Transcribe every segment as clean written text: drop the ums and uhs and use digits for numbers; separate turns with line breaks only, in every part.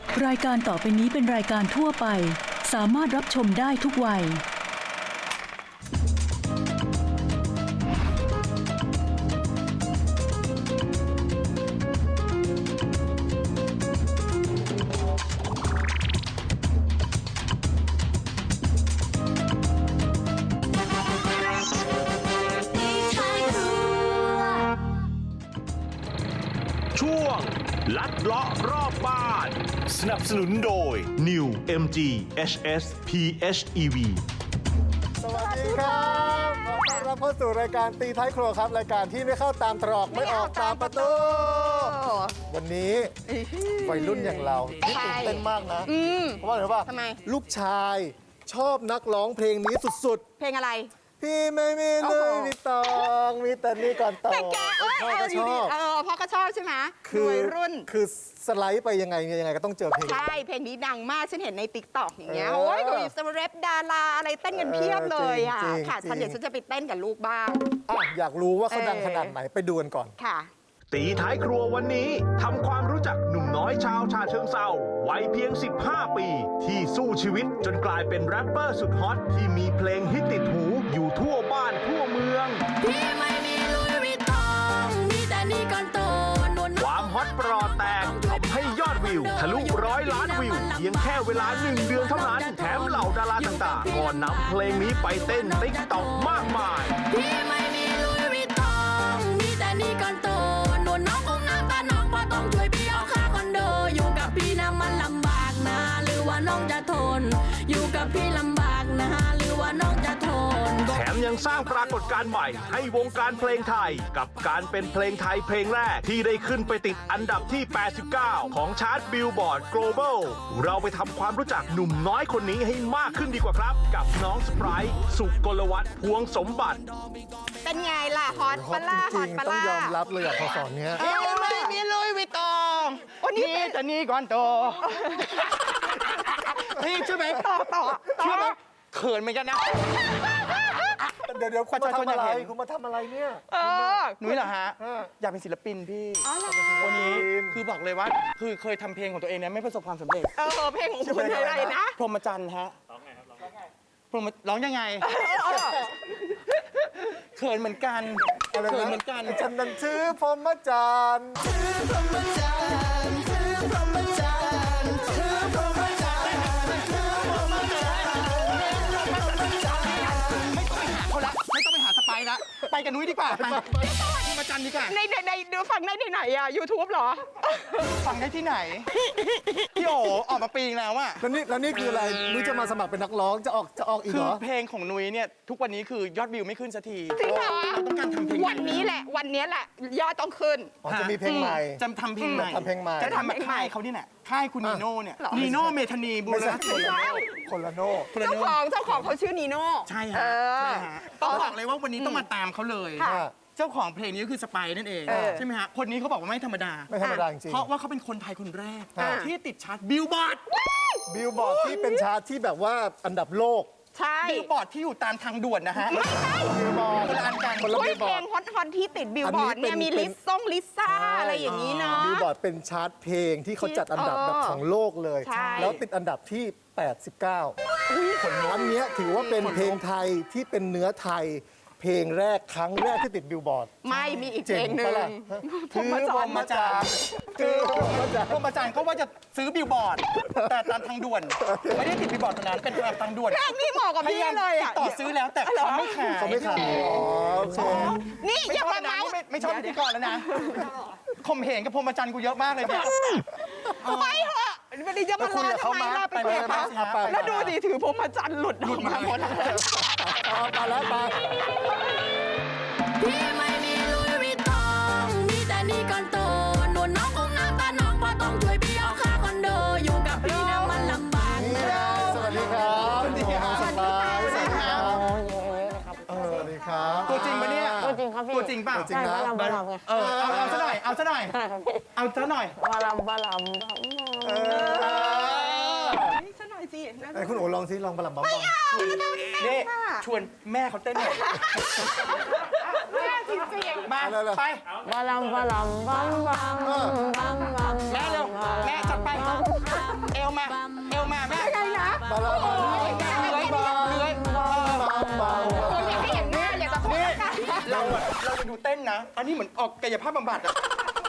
รายการต่อไปนี้เป็นรายการทั่วไปสามารถรับชมได้ทุกวัย
ช่วงลัดเลาะรอบบ้านสนับสนุนโดย New MG HS PHEV
สวัสดีครับขอต้อนรับเข้าสู่รายการตีท้ายครัวครับรายการที่ไม่เข้าตามตรอกไม่ออกตามประตูวันนี้วัยรุ่นอย่างเราที่ตื่นเต้นมากนะเพราะว่าอะไรรู้ป่ะ
ทำไม
ลูกชายชอบนักร้องเพลงนี้สุด
เพลงอะไร
ๆพี่ไม่มีเลยมีตองมีแต่นี่ก่อนตอง
แต่แก
พ่อก็ชอบ
พ่อก็ชอบใช่ไหม
คือ
วัยรุ่น
คือสไลด์ไปยังไงก็ต้องเจอเพลง
ใช่ เพลงนี้ดังมาก ฉันเห็นในติ๊กต็อกอย่างเงี้ย
เออ
โอ้ยมีสเรปดาราอะไรเต้นกันเพียบเลยอ่ะ
จริงๆ
ค่ะ
จริง
ฉันเดี๋ยวฉันจะไปเต้นกับลูกบ้าง
อยากรู้ว่าเขาดังขนาดไหนไปดูกันก่อน
ค่ะ
ตีท้ายครัววันนี้ทำความรู้จักหนุ่มน้อยชาวฉะเชิงเทราวัยเพียง 15 ปี ที่สู้ชีวิตจนกลายเป็นแรปเปอร์สุดฮอตที่มีเพลงฮิตติดหูอยู่ทั่วบ้านทั่วเมือง
พี่ไม่มีลุยวิตตองมีแต่นี่ก่อนโตนวล
ความฮอตปรอแตกทำให้ยอดวิวทะลุ100 ล้านวิวเพียงแค่เวลา1 เดือนเท่านั้น แถมเหล่าดาราต่างๆก็นำเพลงนี้ไปเต้นติ๊กต็อกมากมาย
พี่ไม่มีลุยวิตตองมีแต่นี่ก่อนโตนวลน้องคงน้ำตาน้องพอต้องช่วยพี่เอาค่าคอนโดอยู่กับพี่นะมันลำบากนะหรือว่าน้องจะทนอยู่กับพี่ลำบากนะหรือว่าน้องจะทน
แถมยังสร้างปรากฏการณ์ใหม่ให้วงการเพลงไทย กับการเป็นเพลงไทยเพลงแรกที่ได้ขึ้นไปติดอันดับที่ 89 ของชาร์ตบิลบอร์ด global เราไปทำความรู้จักหนุ่มน้อยคนนี้ให้มากขึ้นดีกว่าครับ กับน้องสไปร์สุกลวัฒน์พวงสมบัติ
เป็นไงล่ะ ฮอต
ฮอ
ปะ
ต
ล่า
จ
ฮอ
ริ
ต
ง
ปะ
ๆต้อง
ล่าย
อมรับเลยพอสอนเนี้ย
ไม่มีลุยวิตตอง
โอ้นี่
นี่แต่นี่ก่อนโตพี่ใช่ไหม
ต่อ
เชื่อไหมเขินเหมือนกันนะ
เดี๋ยวคุณมาทำอะไร
ประชาชนอยากเห็น
คุณมาทำอะไรเนี่ย
หนุ่ยเหรอฮะ
เออ
อยากเป็นศิลปินพี่
อ๋อเหรอ
วันนี้คือบอกเลยว่า คือเคยทำเพลงของตัวเองเนี่ยไม่ประสบความสำเร็จ
เพลงของคุณอะไรนะ
พรหมจรรย์ฮะร้องไงครับร้องยังไงเขินเหมือนกัน
อะไร
เขิน
นะ
เหมือนกัน
ฉันนั้นชื่อพรหมจรรย์
เขาละไม่ต้องไปหาสไปร์ละไปกับนุ้ยดีกว่าไปพรหมจรรย์ดีกว่า
ในดูฟังได้ที่ไหนอ่ะ YouTube เหรอ
ฟังได้ที่ไหนพี่โอออกมาปีนึงแล้วอะ
แล้วนี่คืออะไรนุ้ยจะมาสมัครเป็นนักร้องจะออกอีก
คื
เหร
อ
อ
เพลงของนุ้ยเนี่ยทุกวันนี้คือยอดวิวไม่ขึ้นสักที
จริงเหรอ
เราต้องการทำเพลง
วันนี้แหละ วันนี้แหละ ยอดต้องขึ้น
อ๋อจะมีเพลงใหม่
จะทำเพลงใหม่
ทำเพลงใหม่
จะทำแบบค่ายเขานี่แหละค่ายคุณนีโน่เนี่ย
หรอ
นีโน่เมธานีบู
ไม่
ร
ใช่
ณะ
คนละโน่
คุณ
เจ้า
โน่
ของเขาชื่อนีโน่
ใช่
เอ
ฮะ
อ
ใช่ฮะต้องบอกเลยว่าวันนี้ต้องมาตามเขาเลย
ค่ะ
เจ้าของเพลงนี้ก็คือสไปร์นั่นเอง
เออ
ใช่ไหมฮะคนนี้เขาบอกว่าไม่ธรรมดา
ไม่ธรรมดาจริง
เพราะว่าเขาเป็นคนไทยคนแรก
อ่า
ที่ติดชาร์ตบิลบอร์ด
ๆบิลบอร์ดที่เป็นชาร์ตที่แบบว่าอันดับโลก
ใช่
บิลบอร์ดที่อยู่ตามทางด่วนนะฮะ
ไม่ใช่
บิลบอร์ด
คนละอันกัน
คนละ
โอ้
บิ
ย
ลบ
เพ
อ
ล
ร์ด
งฮอตที่ติดบิลบอร์ดเนี่ย
อันนี้
มี
เป็น
ลิซ่าอะไรอย่างนี้เนาะ
บิลบอร์ดเป็นชาร์ตเพลงที่เขาจัดอันดับแบบของโลกเลย
ใช่
แล้วติดอันดับที่ 89 อันเนี้ยถือว่าเป็นเพลงไทยที่เป็นเนื้อไทย เพลงแรกครั้งแรกที่ติดบิลบอร์ด
ไม่มีอีกเพ
เจ๋
ล
ง
งหนึ่
ปะ
ง
ล่ะ
ผมมาจ
พ
อ
ร
น
หมจรรย์
คือพรหมจรรย์
พรหมจรรย์ก็ว่าจะซื้อบิลบอร์ด แต่ตามทางด่วน ไม่ได้ติดบิลบอร์ดตรงนั้นเป็นทางด่วน
เพลงนี้เหมาะกับพี่เลยอ่ะ
ต่อซื้อแล้วแต่เขาไม่ขาย
เขาไม่ขายอ๋อโอเค
นี่
ไม่
อย่า
ชอบ
มา
นะ
เมาส์
ไม่ชอบพิธีกรแล้วนะข่มเหงกับพรหมจรรย์กูเยอะมากเลยเนี่ย
ไปเถอะวันนี้จะมา
คุย
ลา
กับเขา
ทำไม
มา
ล่ะไป
ไป
เถ
ไป
อะ
ไป
แล้วดูดิถือพรหมจันทรย์หลุดออกมาหมดเลย
เอาไปแล้วไป
พี่ไม่มีลุยวิตตองมีแต่นี่ก่อนโตนวลน้องคงน้ำตาน้องพอต้องช่วยพี่เอาค่าคอนโดอยู่กับพี่นะมันลำบาก
นี่
นะ
สวัสดีครับ
สวัสดีครับ
สบาย
สวัสดีครับ
สวัสดีครับ
ตัวจริงปะเนี่ย
ตัวจริงครับพี่
ตัวจริงเปล่า
ตัวจริงนะ
บาลำบาลำไง
เอาซะหน่อยเอาซะหน่อย
ใช่ครับพี่
เอาซะหน่อย
บาลำบาลำ
นี่ฉันหน่อยสิ
ไอ้คุณโอ๋ลองสิลองบะหลัมบอมบอม
นี่ชวนแม่เขาเต้นหน่อย
แม่จริง
มาไป
บาลำบาลำบัมบัมบัมบัม
แม่เร็วแม่จัดไป
บัม
มาเอวมาแม่
ยังไงนะ
มาแล้วมาแล้ว
เลื้อย
คนอยากให้เห็นหน้าอยากจะพูดกัน
เราไปดูเต้นนะ อันนี้เหมือนออกกายภาพบำบัดอะ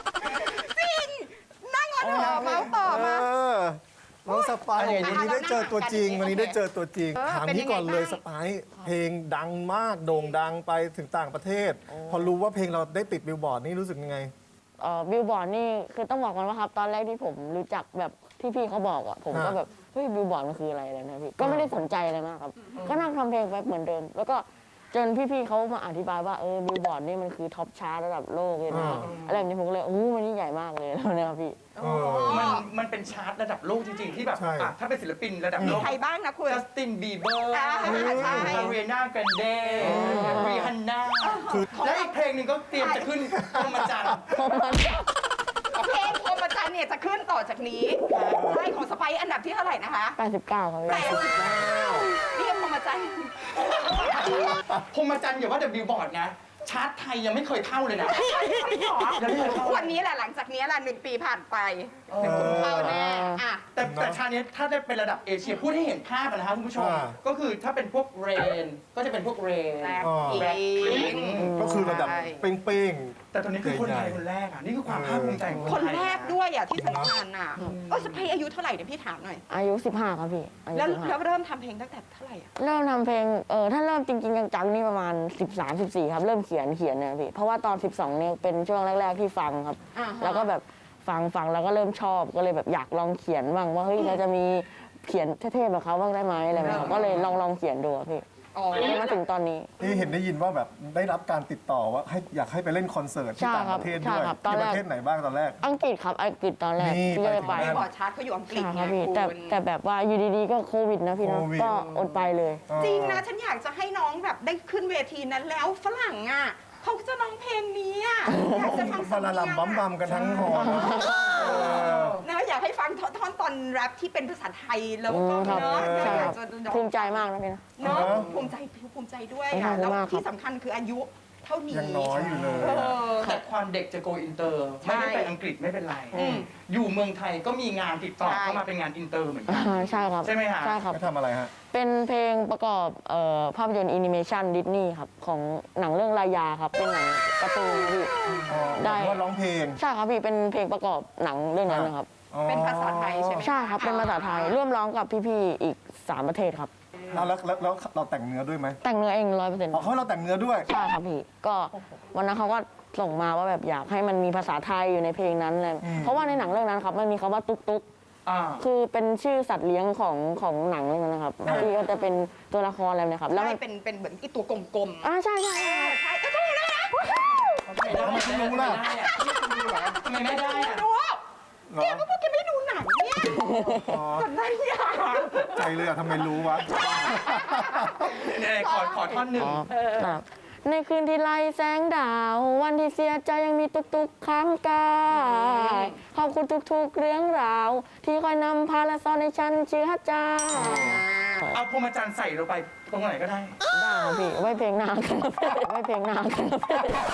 นั่งก่อนเถอะเมาส์ต่อมา
น้องสไปร์
อันนี้
วันนี้ได้เจอตัวจริง วันนี้ได้เจอตัวจริง ถามนี้ก่อนเลย
เป็นยังไงบ้าง
สไปร์เพลงดังมากโด่งดังไปถึงต่างประเทศ พอรู้ว่าเพลงเราได้ติดบิลบอร์ดนี่รู้สึกยังไง
บิลบอร์ดนี่คือต้องบอกก่อนว่าครับตอนแรกที่ผมรู้จักแบบที่พี่เขาบอกอ่ะผมก็แบบเฮ้ยบิลบอร์ดมันคืออะไรนะพี่ก็ไม่ได้สนใจอะไรมากครับก็นั่งทำเพลงไปเหมือนเดิม แล้วก็จนพี่ๆเขามาอธิบายว่าบิลบอร์ดนี่มันคือท็อปชาร์ตระดับโลกเลยนะอะไรแบบนี้ผมก็เลยมันยิ่งใหญ่มากเลยแล้วนะครับพี่
มันเป็นชาร์ตระดับโลกจริงๆ ที่แบบ
ใช่
อ่ะถ้าเป็นศิลปินระดับโลก
ใครบ้างนะคุณ
จัสตินบีเบอร์
อ่าใช่
มาเรียนาแกรนเดรีฮันน่าและอีกเพลงหนึ่งก็เตรียมจะขึ้นพรหมจันทร์
เพลงพรหมจันทร์เนี่ยจะขึ้นต่อจากนี้ใช่ของสไปซ์อันดับที่เท่าไหร่นะคะ
89ครับพี่
นี่พรหมจันทร์
พรหมจันทร์อย่าว่าแต่บิลบอร์ดนะ ชาร์ตไทยยังไม่เคยเข้าเลยนะ
วันนี้แหละหลังจากนี้แหละ1 ปีผ่านไปเดี๋ยวคุณเข้าแน่อ่ะ
แต่ชาตินี้ถ้าได้เป็นระดับเอเชียพูดให้เห็นภาพนะครับคุณผู้ชม ก็คือถ้าเป็นพวกเรนก็จะเป็นพวกเรน
แรก
แบล็คพิงค์
ก็คือระดับเป้ง
แต่ตอนนี้คือคนไทย
ใหญ่ๆ
คนแรกอ่ะ นี่คือความภาคภูมิใจของ
ค
คน
น
ไทย
แรกด้วยอ่ะที่สำคัญอ่ะสไปซ์อายุเท่าไหร่เดี๋ยวพี่ถามหน่อย
อายุ15ครับพี่อายุ
แล้ว
15
เริ่มทำเพลงตั้งแต่เท่าไหร่อ่ะ
เริ่มทำเพลงถ้าเริ่มจริงๆจังๆนี่ประมาณ13-14ครับเริ่มเขียนเนี่ยพี่เพราะว่าตอน12เนี่ยเป็นช่วงแรกๆที่ฟังครับ แล้วก็แบบฟังแล้วก็เริ่มชอบก็เลยแบบอยากลองเขียนบ้างว่าเฮ้ยเราจะมีเขียนเท่ๆแบบเขาบ้างได้ไหมอะไรแบบนี้ก็เลยลองเขียนดูอะพี่มาถึงตอนนี้
นี่เห็นได้ยินว่าแบบได้รับการติดต่อว่าอยากให้ไปเล่นคอนเสิร์ตที่
ใช่
ต่าง
ครั
ป
บ
ระเทศ
ใช่
ด้วย
ครับตอน
ที่
แร
ป
ก
ระเทศไหนบ้างตอนแรก
อังกฤษครับอังกฤษตอนแรก
นี่
ที่จะไป
ไปถึง
บอร์ดชาร์ตเขาอยู่อังกฤษ
ใช่
ไง
ครับพี่
คุณ
แต่แบบว่าอยู่ดีๆก็โควิดนะพี่นะ
โควิด
ก็อดไปเลย
จริงนะฉันอยากจะให้น้องแบบได้ขึ้นเวทีนั้นแล้วฝรั่งอ่ะเขาจะร้องเพลงนี้อ่ะอยากจะฟัง
พาราลัมบัมบัมกันทั้งหอนะ
นะอยากให้ฟังท่อนตอนแรปที่เป็นภาษาไทยแล้วก็
ครับ
เนาะ
ใช่
อ
ค
ยา
รั
ก
บ
จะ
ภูมิใจมากนะพี่นะ
เนาะภูมิใจด้วย
ขอ
อ่ะ
บคุณ
แล้ว
มากครับ
ที่สำคัญคืออายุเท่านี้
ยังน้อยอยู่เลย
เออ
แต่ความเด็กจะโกอินเตอร์ ไม่ได้ไปอังกฤษไม่เป็นไร อยู่เมืองไทยก็มีงานติดต่อ
ใช่
เข้ามาเป็นงานอินเตอร์เหมือนกัน
ใช่ครับ
ใช่ไหมฮะ
ใช่ครับ
ไม่ทำอะไรฮะ
เป็นเพลงประกอบภาพยนตร์แอนิเมชันดิสนีย์ครับของหนังเรื่องรายาครับเป็นหนังการ์ตูนครับพี่ ได้
ว่าร้องเพลง
ใช่ครับพี่เป็นเพลงประกอบหนังเรื่องนั้นนะครับ
เป็นภาษาไทยใช่ไหม
ใช่ครับเป็นภาษาไทยร่วมร้องกับพี่ๆอีก3ประเทศครับ
แล้วเราแต่งเนื้อด้วยไหม
แต่งเนื้อเอง100%
อ๋อเขาให้เราแต่งเนื้อด้วย
ใช่ครับพี่ก็วันนั้นเขาก็ส่งมาว่าแบบอยากให้มันมีภาษาไทยอยู่ในเพลงนั้นเลยเพราะว่าในหนังเรื่องนั้นครับมันมีคำว่าตุ๊กตุ๊ก
อ่า
คือเป็นชื่อสัตว์เลี้ยงของหนังเรื่องนั้นนะครับที่ก็จะเป็นตัวละครอะไรนะครับ แล้ว
ใช่
มัน
เป็นเหมือนไอีตัวกลมๆ
ใช่ใช่ใช่
ใช่ใช่ได้นะ
ทำไมคุณรู้ล่ะ
ทำไมไม่ได้อะ
ดู
เหรอ
แกก็พวกแกไม่ดูหนังเนี่ยจำได้ยัง
ใจเลยอะทำไมรู้วะ
เนี่ยขอท่อนหนึ่ง
ครับในคืนที่ไล่แสงดาว วันที่เสียใจยังมีตุกๆข้างกายขอบคุณทุกๆเรื่องราว ที่คอยนำพาและสอนให้ฉันเชื่อใจ
เอาพรหมจันทร์ใส่ลงไปตรงไหนก็ได้
ได้ครับพี่ไว้เพลงหน้ากันครับไว้เพลงหน้ากันครับ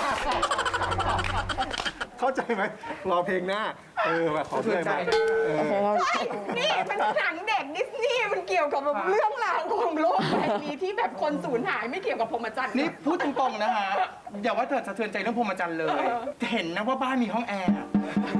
เข้าใจไหมรอเพลงหน้าแบบขอเพลงหน่อย
โอเคครับ
นี่มันหนังเด็กดิสนีย์มันเกี่ยวกับแบบเรื่องราวของโลกใบนี้ที่แบบคนสูญหายไม่เกี่ยวกับพรหมจันทร์
นี่พูดตรงๆนะฮะ อย่าว่าเธอสะเทือนใจเรื่องพรหมจันทร์เลย เห็นนะว่าบ้านมีห้องแอร์อะ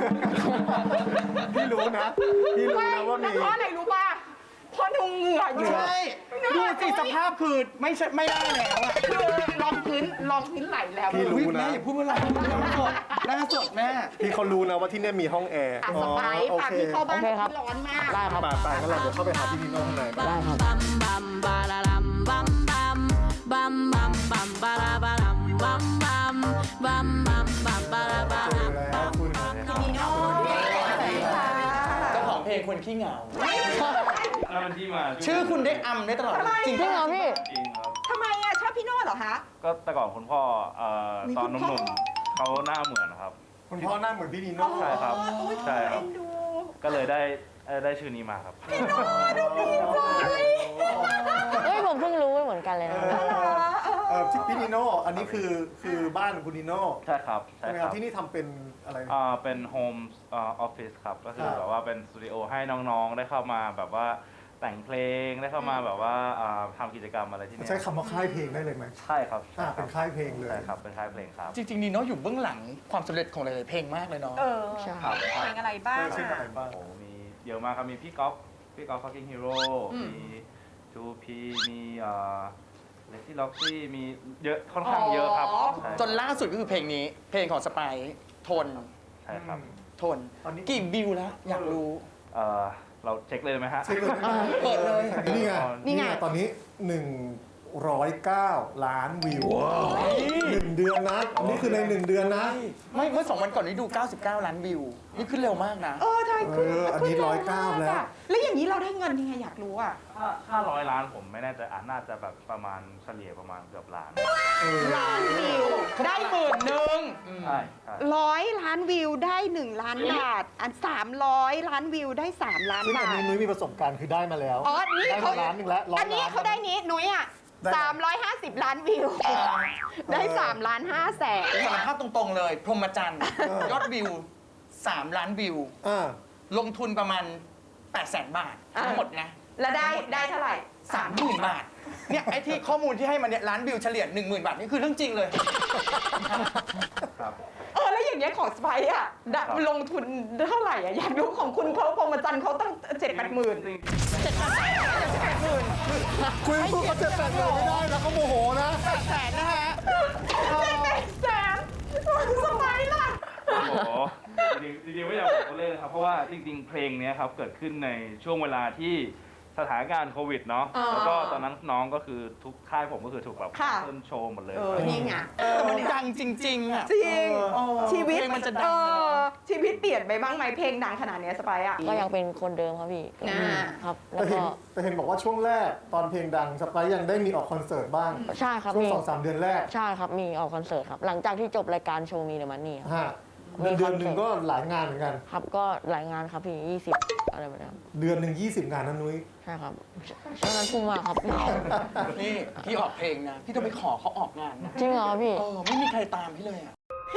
พี่รู้นะว่ามี
เพราะอะไรรู้ป่ะเพราะดูเหงื่ออยู่
ใช่ดูสิสภาพคือไม่ได้แล้วอะ
คือรองพื้นไหลแล้ว
พี่รู้
อุ๊ย
นะ
แม่อย่าพูดว่าอะไรหน้าสดแม่
พี่เขารู้นะว่าที่เนี่ยมีห้องแอร์
อ่ะสบาย
โอ
ค่ะ
เค
พี่เข้าบ้าน
โอเคครับ
ที่ร้อนมาก
ได้ครับ
ไปงั้นเราเดี๋ยวเข้าไปหาพี่นิโน่ข้างใน
ได้ครับ
bam bam ba la lam bam bam bam bam bam ba la ba lam bam bam bam bam bam ba la ba
เจอ
lam
แล้วคุณ
พี่โน่ค่ะ
เจ้าของเพลงคนขี้เหงา
แล้วมันที่มา
ชื่อคุณได้อำได้ตลอดจริง
จริงเหรอพี่
จริงครับ
ทำไมอ่ะชอบพี่โน่เหรอคะ
ก็แต่ก่อนคุณพ่อตอนห
คุณพ่อ
นุ่มๆเขาหน้าเหมือนครับ
คุณพ่อหน้าเหมือนพี่นิโน่
ใช่ครับ
อุ๊ย
ใช่ครับ
เอ็นดู
ก็เลยได้ชื่อนี้มาครับ
เฮ้ยผมเพิ่งรู้เหมือนกันเลยนะ
เหรอ
พี่นิโน่อันนี้คือบ้านคุณนิโน่
ใช่ครับ
ใช่ไหมครับที่นี่ทำเป็นอะไร
เป็นโฮมออฟฟิศครับ ก็คือ
ครับ
แบบว่าเป็นสตูดิโอให้น้องๆ ได้เข้ามาแบบว่าแต่งเพลง ได้เข้ามาแบบว่าทำกิจกรรมอะไรที่นี่
ใช้คำว่าค่ายเพลงได้เลยไหม
ใช่ครับ
เป็นค่ายเพลงเลย
ใช่ครับ เป็นค่ายเพลงครับ
จริงๆนีโน่อยู่เบื้องหลังความสำเร็จของหลายๆเพลงมากเลยเนาะ
ใช่
ครับ
เพลงอะไรบ้าง
เช่นอะไรบ้าง
โอ้มีเยอะมากครับ มีพี่ก๊อฟFucking Hero มี 2P มีLexi Loxy มีเยอะค่อนข้างเยอะครับใช่
จนล่าสุดก็คือเพลงนี้ เพลงของสไปซ์ทน
ใช่ครับ
ทนกี่วิวแล้วอยากรู้
เราเช็คเลยไหมฮะ
เช็คเลย
เปิดเลย
นี่ไง
นี่ไง
ตอนนี้ 109 ล้านวิว1 เดือนนะ นี่คือใน 1 เดือนนะ
ไม่เมื่อ2 วันก่อนนี้ดู 99 ล้านวิว นี่ขึ้นเร็วมากนะ
ทำไมขึ้น
อันนี้
ขึ้
109 แล้ว
แล้วอย่างนี้เราได้เงินยังไงอยากรู้อ่ะ
ถ้า100 ล้านผมไม่แน่ใจน่าจะแบบประมาณเฉลี่ยประมาณเกือบล้าน
ล้านวิว
ได้10,000
ใช่
100 ล้านวิวได้ 1 ล้านบาท อัน 300 ล้านวิวได้ 3 ล้าน
ซึ่งอั
บาน ท
นี้นุ้ยมีประสบการณ์คือได้มาแล้ว
อ๋อ นี่
ได้
เขา
มาล้านหนึ่งแล้ว100
อันนี้
ล้าน
เขาได้นี้นุ้ยอ่ะ
ได้
350 ล้านวิว ได้3ล้าน5แสน
สารภาพตรงๆเลย พรหมจันทร์ยอดวิว 3 ล้านวิว
อ่า
ลงทุนประมาณ 800,000 บาท ทั้งหมดนะ
แล้วได้เท่าไหร่
30,000 บาท เนี่ย ไอ้ที่ข้อมูลที่ให้มาเนี่ยล้านวิวเฉลี่ย 10,000 บาท นี่คือเรื่องจริงเลย
ครับ
แล้วอย่างเงี้ยของสไปซ์อ่ะได้
ครับ
ลงทุนเท่าไหร่อ่ะ อยากรู้ของคุณเขาพรหมจันทร์เขาตั้ง7-8 หมื่น
จริง
7-8 หมื่น
คุยพูดเขาจะแต่งเลยไม่ได้นะเขาโมโหนะ
แสนนะฮะ
7-8 แสนสไปซ์ล่ะ
โอ้โหจริงๆไม่อยากบอกตัวเลขนะครับ เพราะว่าจริงๆ เพลงเนี้ยครับเกิดขึ้นในช่วงเวลาที่สถานการณ์โควิดเนาะ
อ๋อ
แล้วก็ตอนนั้นน้องก็คือทุกค่ายผมก็คือถูกแบบ
ค่ะ
เพิ่มโชว์หมดเลย
นี่ไง
แต่มันดังจริง ๆ อ่ะ
จริง ชีวิต
เพลงมันจะดังเลยเนอะ
ชีวิตเปลี่ยนไปบ้างไหมเพลงดังขนาดเนี้ยสไปซ์อ่ะ
ก็ยังเป็นคนเดิมครับพี่
อ่า
ครับ
แต่
แล้ว
เห็
ก็
นแต่เห็นบอกว่าช่วงแรกตอนเพลงดังสไปซ์ยังได้มีออกคอนเสิร์ตบ้าง
ใช่ครับ
ช่ว
มี
ง2-3 เดือนแรก
ใช่ครับมีออกคอนเสิร์ตครับ หลังจากที่จบรายการโชว์มีเดอะมันนี่ครับ
ฮะเดือนหนึ่งก็หลายงานเหมือนกัน
ครับก็หลายงานครับพี่20อะไรแบบนี้ครับ
เดือนหนึ่ง20 งานนะนุ้ย
ใช่ครับช่วงนั้นพุ่งมากครับ
นี่พี่ออกเพลงนะ พี่ต้องไปขอเขาออกงานนะ
จริงเหรอพี่
ไม่มีใครตามพี่เลยอ่ะ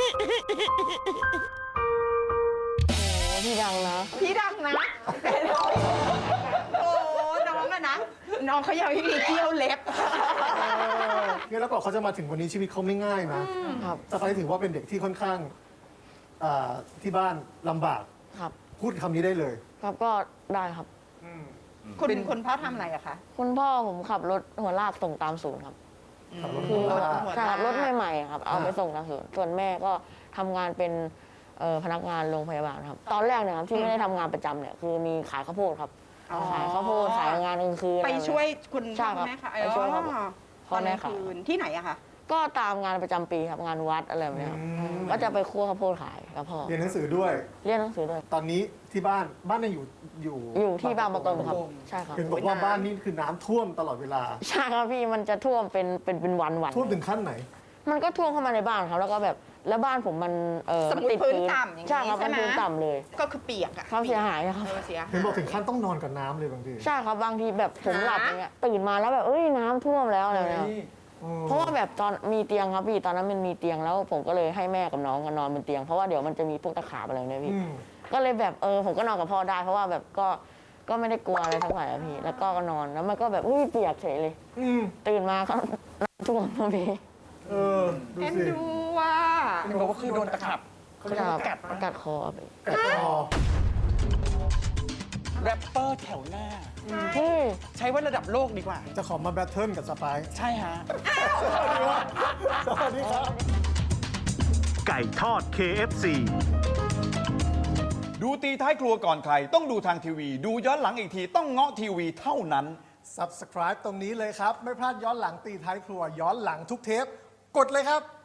โอ้พี่ดังนะ
พี่ดังนะแต่เราโอ้น้องอะนะ น้องเขายังไม่มีเที่ยวเล็บ
เนี่ยแล้วก็เขาจะมาถึงวันนี้ชีวิตเขาไม่ง่ายนะครับ สไปซ์ถือว่าเป็นเด็กที่ค่อนข้างที่บ้านลำบาก
ครับ
พูดคำนี้ได้เลย
ครับก็ได้ครับ
คุณพ่อทำอะไรอะคะ
คุณพ่อผมขับรถหัวลากส่งตามศูนย์ครับ
ขับรถ
คือ
หัวลาก
ใช่ครับรถใหม่ๆครับเอาไปส่งตามศูนย์ส่วนแม่ก็ทำงานเป็นพนักงานโรงพยาบาลครับ ตอนแรกเนี่ยครับที่ไม่ได้ทำงานประจำเนี่ยคือมีขายข้าวโพดครับ
อ๋อ
ขายข้าวโพดขายงานกลางคืน
ไปช่วยคุณ
ใช่
พ่อ
ครับ
แม่ค่ะ
ไปช่วยครับ
ต
พ่อ
อนก
แม่
ลาง
ขาย
คืนที่ไหนอะคะ
ก็ตามงานประจำปีครับงานวัดอะไรแบบเนี้ยครับก็จะไปคั่วข้าวโพดขายกับพ่อ
เรียนหนังสือด้วย
เรียนหนังสือด้วย
ตอนนี้ที่บ้านยังอยู่
อยู่ที่บางประกงครับใช่ครับ
เห็นบอกว่าบ้านนี่คือน้ำท่วมตลอดเวลา
ใช่ครับพี่มันจะท่วมเป็นวันๆ
ท่วมถึงขั้นไหน
มันก็ท่วมเข้ามาในบ้านครับแล้วก็แบบแล้วบ้านผมมัน
สมมุติ
ติด
พื้นต่ำอย่างนี้
ใช่ครับ
ใช่
มัน
ไหม
พื้นต่ำเลย
ก็คือเปียกอะ
ความเสียหายนะครับ
เสีย
เห็นบอกถึงขั้นต้องนอนกับน้ำเลยบางที
ใช่ครับบางทีแบบผมหลับอย่างเงี้ยตื่นมาแล้วแบบเอ้ยน้ำท่วมแล้วอะไรแบบเนี้ยเพราะว่าแบบตอนมีเตียงครับพี่ตอนนั้นมันมีเตียงแล้วผมก็เลยให้แม่กับน้องนอนบนเตียงเพราะว่าเดี๋ยวมันจะมีพวกตะขาบอะไรเนี่ยพี่ ก็เลยแบบผมก็นอนกับพ่อได้เพราะว่าแบบก็ไม่ได้กลัวอะไรทั้งหลายอะพี่แล้วก็นอนแล้วมันก็แบบเปียกเฉยเลยตื่นมาก็น้ำท่วมพอดี
ดู
เอ็น
สิ
ดูว่า
มันบอกว่าคือโดนตะขับ
กัดคอไป
กัดคอ
แรปเปอร์แถวหน้า
เฮ้ย
ใช้ว่าระดับโลกดีกว่า
จะขอมาแบทเทิลกับสไปซ์
ใช่ฮะ
สวัสดีครับ
ไก่ทอด KFC
ดูตีท้ายครัวก่อนใคร ต้องดูทางทีวี ดูย้อนหลังอีกทีต้องเงาะทีวีเท่านั้น
Subscribe ตรงนี้เลยครับ ไม่พลาดย้อนหลังตีท้ายครัวย้อนหลังทุกเทป กดเลยครับ